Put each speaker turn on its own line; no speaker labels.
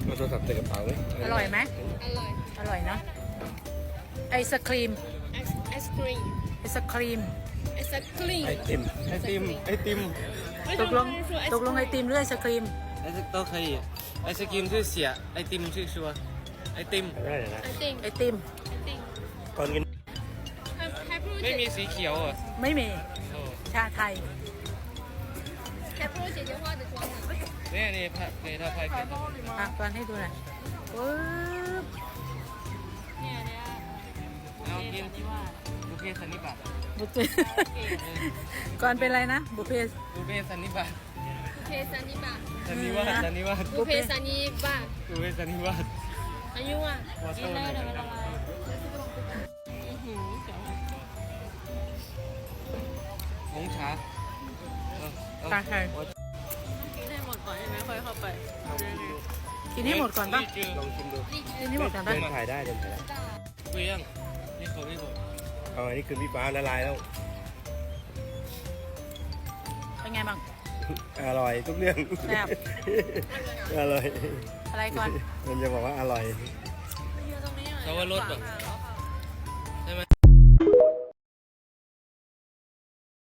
มาโทรศัพท์ใส่กระเป๋าเลย
อร่อยไหม
อร่อย
อร่อยเนาะไอศครีม
ไอศครีม
ไอศครีม
ไอศครีม
ไอติมไอติมไอติม
ตกลงไอติมหรือไอศครีม
都可以，ไอศกรีมชื่อเสียไอติมชื่อชัวไอติม
ได้เลยนะ
ไอติม
ไอติม
ไอติม
ก่อนกิน
ให้พูด
ไม่มีสีเขียวอ่ะ
ไม่มี
โอ้
ชาไทย
ให้พูด姐姐画的妆啊
เนี่ยนี่拍给他拍给他
อ่ะก่อนให้ดูหน่อยปึ๊บ
เนี่ยเนี่ย
เอากินบุฟเฟ่สันนิบาต
บุฟเฟ่ก่อนเป็นอะไรนะบุฟเฟ่
บุฟเฟ่สันนิบาต
บุฟเฟ่ซันนี่ป่ะ
สันนิวาสสันนิวาส
บุฟเฟ่ซันนี่ป่ะ
บุฟเฟ่สันนิวาส
อายุอ่ะ
วอเตอร์
เดี๋ยวมันละลายเจ๋ง
红茶
ชาไทย
กินให้หมดก่อนใช่ไหมค่อยเข้าไป
กินให้หมดก่อนป่ะ
ลองชิมดู
กินให้หมดก่อน
เดิ
ป่ะ
นถ่ายได้เดินถ่ายได้
不一样一口一口
เอาอันนี้คือพี่ฟ้าละลายแล้ว
เป็นไงบ้าง
อร่อยทุกเรื่อง
แซ่บ
อร่อย
อะไรก่อน
มันจะบอกว่าอร่อย
เขาว่ารสแบบ
อ๋อ